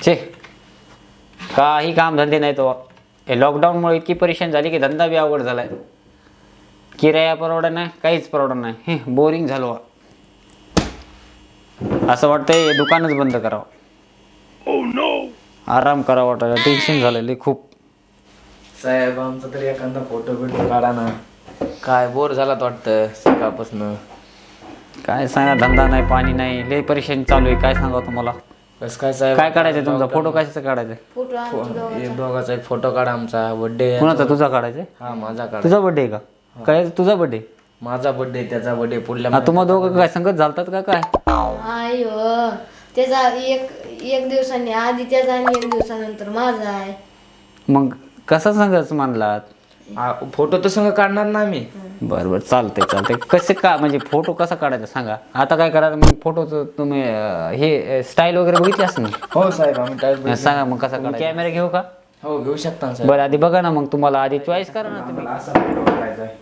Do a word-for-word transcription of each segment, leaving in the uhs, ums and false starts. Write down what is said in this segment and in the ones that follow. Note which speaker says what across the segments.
Speaker 1: छे काही काम धंदे नाही तो. हे लॉकडाऊनमुळे इतकी परेशान झाली की धंदा बी अवघड झालाय. किराया परवडा नाही, काहीच परवडा नाही. हे बोरिंग झालो. असं वाटतंय हे दुकानच बंद करावं. oh, no. आराम करावं वाटायला. टेन्शन झालेलं खूप.
Speaker 2: साहेब आमचा तरी एखादा फोटो बिटो काढा ना. काय बोर झालात वाटतं सकाळपासून.
Speaker 1: काय सांगा, धंदा नाही, पाणी नाही, लय परेशानी चालू आहे. काय सांगा तुम्हाला.
Speaker 2: कसं काय साहेब?
Speaker 1: काय काढायचं तुमचा फोटो? कशाचा काढायचा?
Speaker 2: एक दोघाचा एक फोटो काढा. आमचा बर्थडे.
Speaker 1: कुणाचा? तुझा काढायचा?
Speaker 2: हा माझा काढा.
Speaker 1: तुझा बर्थडे का? काय तुझा बर्थडे?
Speaker 2: माझा बर्थडे, त्याचा बर्थडे पुढल्या.
Speaker 1: हा तुम्हा दोघं काय संगत झालतात का काय?
Speaker 3: आयो त्याचा एक एक दिवसांनी आधी त्याचा आणि एक दिवसानंतर माझा आहे.
Speaker 1: मग कसा संगच मानलात?
Speaker 2: फोटो तर संग काढणार ना आम्ही.
Speaker 1: बरं बरं चालतंय चालतंय. कसे का म्हणजे फोटो कसा काढायचा सांगा. आता काय करायचं मग फोटोचं तुम्ही अं, हे स्टाईल वगैरे बघितली असं ना?
Speaker 2: हो साहेब आम्ही टाईप.
Speaker 1: सांगा मग कसा काढायचा. कॅमेरा घेऊ का?
Speaker 2: हो घेऊ शकता साहेब.
Speaker 1: बरं आधी बघा ना, मग तुम्हाला आधी चॉईस करा ना तुम्ही.
Speaker 2: असा फोटो काढायचा आहे.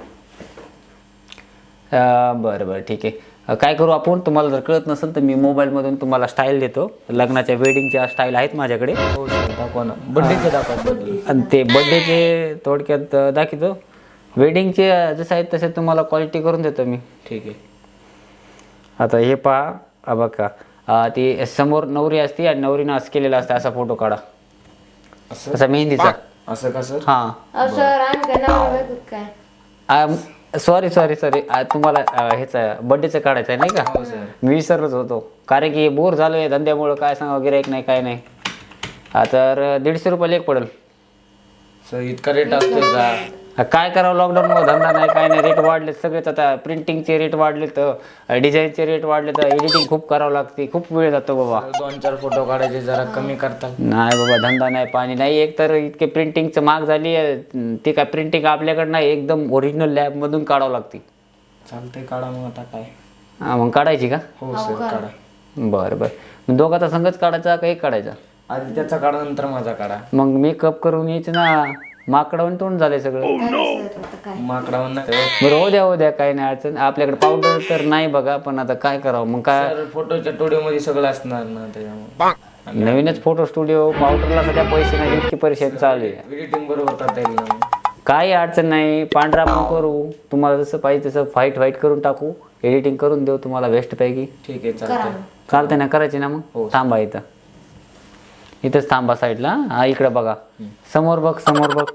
Speaker 1: अं, बरं बरं ठीक आहे. अं, काय करू आपण, तुम्हाला जर कळत नसेल तर मी मोबाईलमधून तुम्हाला स्टाईल देतो. लग्नाच्या वेडिंगच्या स्टाईल आहेत माझ्याकडे.
Speaker 2: हो साहेब दाखवा ना. बर्थडेचे दाखवा.
Speaker 1: आणि ते बड्डेचे थोडक्यात अं, दाखवतो. वेडिंगचे जसे आहेत तसे तुम्हाला क्वालिटी करून देतो मी.
Speaker 2: ठीक आहे.
Speaker 1: आता हे पहा. हा बघा, अं, ती समोर नवरी असते आणि नवरीनं असं केलेला असतं. असा फोटो काढा,
Speaker 2: असं
Speaker 1: असा मेहंदीचा.
Speaker 2: असं का सर?
Speaker 1: हां
Speaker 3: अहो सर आम्ही काय नवरा बायको काय?
Speaker 1: सॉरी सॉरी सॉरी तुम्हाला अं, ह्याचा बड्डेचं काढायचं आहे नाही का?
Speaker 2: हो सर.
Speaker 1: मी विसरलोच होतो. कारण की बोर झालो आहे धंद्यामुळं. काय सांगा गिऱ्हाईक नाही काय नाही. हा तर दीडशे रुपयाला एक पडेल.
Speaker 2: सर इतका रेट असतो का?
Speaker 1: हा, काय करावं, लॉकडाऊनमुळे धंदा नाही काय नाही. रेट वाढले सगळेच. आता प्रिंटिंगचे रेट वाढले, तर डिझाईनचे रेट वाढले, तर एडिटिंग खूप करावं लागते. खूप वेळ जातो बाबा.
Speaker 2: दोन चार फोटो काढायचे, जरा कमी करतात.
Speaker 1: नाही बाबा, धंदा नाही, पाणी नाही. एक तर इतके प्रिंटिंगचं महाग झाली आहे. ते काय प्रिंटिंग आपल्याकडं नाही, एकदम ओरिजिनल लॅबमधून काढावं लागते.
Speaker 2: चालतंय काढा मग आता काय.
Speaker 1: हां मग काढायची का?
Speaker 2: हो सर काढा.
Speaker 1: बरं बरं. मग दोघाचा संघच काढायचा का एक काढायचा?
Speaker 2: आधी त्याचा काढा नंतर माझा काढा.
Speaker 1: मग मेकअप करून यायचं ना. माकडावून तोंड झालंय सगळं.
Speaker 3: सर आता काय?
Speaker 2: माकडावर नाही.
Speaker 1: बरं हो द्या हो द्या, काही नाही अडचण. आपल्याकडे पावडर तर नाही बघा, पण आता काय करावं मग. काय
Speaker 2: सर फोटोच्या स्टुडिओ मध्ये सगळं असणार ना त्याच्यामुळे.
Speaker 1: नवीनच फोटो स्टुडिओ, पावडरला सध्या पैसे नाही, इतकी परेशानी चालू आहे.
Speaker 2: एडिटिंग बरोबर करता येईल ना.
Speaker 1: काही अडचण नाही. पांढरा पण करू, तुम्हाला जसं पाहिजे तसं व्हाईट व्हाईट करून टाकू. एडिटिंग करून देऊ तुम्हाला बेस्ट पैकी.
Speaker 2: ठीक आहे चालतंय.
Speaker 1: चालतंय ना, करायची ना मग.
Speaker 2: हो.
Speaker 1: थांबा इथं, इथंच थांबा साईडला. हा इकडे बघा, समोर बघ, समोर बघ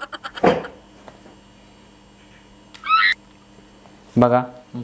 Speaker 1: बघा.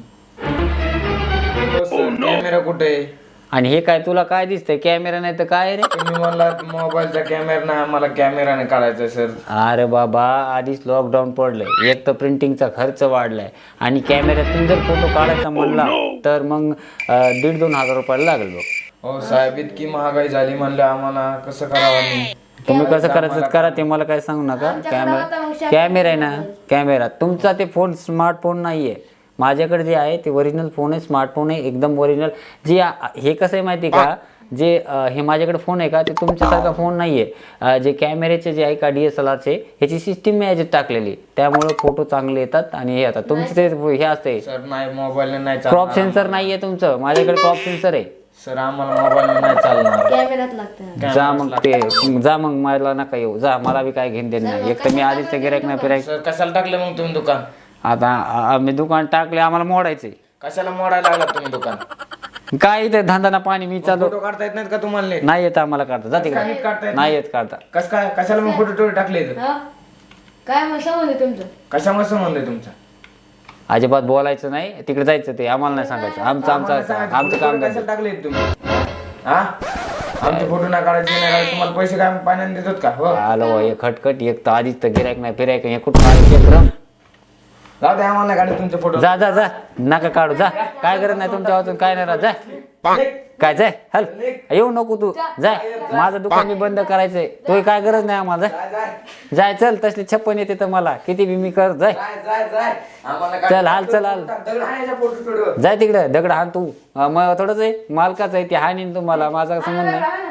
Speaker 2: कॅमेरा कुठे आहे?
Speaker 1: आणि हे काय तुला काय दिसतंय? कॅमेरा नाही तर काय रे?
Speaker 2: तुम्ही म्हणला मोबाईलचा कॅमेरा नाही, आम्हाला कॅमेराने काढायचा सर.
Speaker 1: अरे बाबा, आधीच लॉकडाऊन पडलंय. एक तर प्रिंटिंगचा खर्च वाढलाय आणि कॅमेऱ्यातून जर फोटो काढायचा म्हणला तर मग अं, दीड दोन हजार रुपयाला लागेल बघ.
Speaker 2: हो साहेब इतकी महागाई झाली म्हणलं आम्हाला कसं करावं मी.
Speaker 1: तुम्ही कसं करायचं करा, ते मला काय सांगू नका. कॅमेरा कॅमेरा आहे ना, कॅमेरा तुमचा ते फोन स्मार्टफोन नाही आहे. माझ्याकडे जे आहे ते ओरिजिनल फोन आहे, स्मार्टफोन आहे, एकदम ओरिजिनल. जे हे कसं आहे माहिती आहे का, जे हे माझ्याकडे फोन आहे का, ते तुमच्यासारखा फोन नाही आहे. जे कॅमेऱ्याचे जे आहे का, डी एस एल आरचे, ह्याची सिस्टीम मी याच्यात टाकलेली, त्यामुळे फोटो चांगले येतात. आणि हे येतात तुमचं ते हे असते
Speaker 2: सर नाही मोबाईल नाही
Speaker 1: क्रॉप सेन्सर नाही आहे तुमचं. माझ्याकडे क्रॉप सेन्सर आहे.
Speaker 2: सर आम्हाला मोबाईल नाही चालणार.
Speaker 3: कॅमेऱ्यात लागतं.
Speaker 1: जा मग ते जा मग, मला नका येऊ, जा. मला बी काय घेऊन देणं नाही. एक तर मी आधीच गिऱ्हाईक नाही फिरायक.
Speaker 2: सर कशाला टाकलं मग तुम्ही दुकान?
Speaker 1: आता आम्ही दुकान टाकले, आम्हाला मोडायचे.
Speaker 2: कशाला मोडायला लागला तुम्ही दुकान?
Speaker 1: काय इथे धंदा ना पाणी. मी चालू
Speaker 2: फोटो काढता येत नाहीत का तुम्हाला नीट?
Speaker 1: नाही येत आम्हाला काढता. जा
Speaker 2: नीट काढता
Speaker 1: तिकडे.
Speaker 2: येत
Speaker 1: नाही येत काढता.
Speaker 2: कस काय कशाला मग फोटो टोटो टाकले इथं?
Speaker 3: हा? काय मग संबंध आहे तुमचं?
Speaker 2: कशामुळे संबंध आहे तुमचा?
Speaker 1: अजिबात बोलायचं नाही, तिकडे जायचं. ते आम्हाला नाही सांगायचं. आमचं
Speaker 2: आम्हाला
Speaker 1: आमचं
Speaker 2: सांगायचं,
Speaker 1: आमचं
Speaker 2: फोटो
Speaker 1: काम
Speaker 2: कशाला
Speaker 1: करायचं.
Speaker 2: टाकले तुम्ही? हा आमचे फोटो नाही काढायचे नाही काढायचे, तुम्हाला पैसे काय पाण्याने देतात का? हो
Speaker 1: आलो हो, हे खटखट. एक तर आधीच तर गिऱ्हाईक नाही फिरायक. हे कुठं आले चक्रम.
Speaker 2: जाऊ द्या आम्हाला काढे तुमचे फोटो.
Speaker 1: जा जा जा, नका काढू. जा, काय गरज नाही तुमच्या वाचून. काय नाही राहत. जा काय, जाय हल. येऊ नको तू. जाय, माझं दुकान मी बंद करायचंय. तो काय गरज नाही आम्हाला. जाय चल, तसली छप्पन येते तर मला किती बी मी कर. जाय चल, हाल चल हाल. जाय तिकडे. दगड हाण तू. मग थोडंच आहे, मालकाच आहे ते. हाणीन तुम्हाला, माझा संबंध नाही.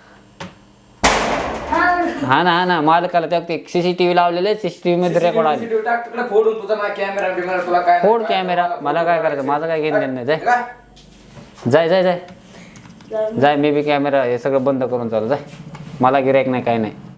Speaker 1: हा ना हा ना, मालकाला त्या सीसीटीव्ही लावलेले, सीसीटीव्ही मध्ये रेकॉर्ड आले. फोड कॅमेरा. मला काय करायचं, माझं काय घेणं देणं नाही. जाय जाय जाय जाय.
Speaker 3: जर
Speaker 1: जाय मी बी कॅमेरा हे सगळं बंद करून चालू जाय मला गिरायक नाही काय नाही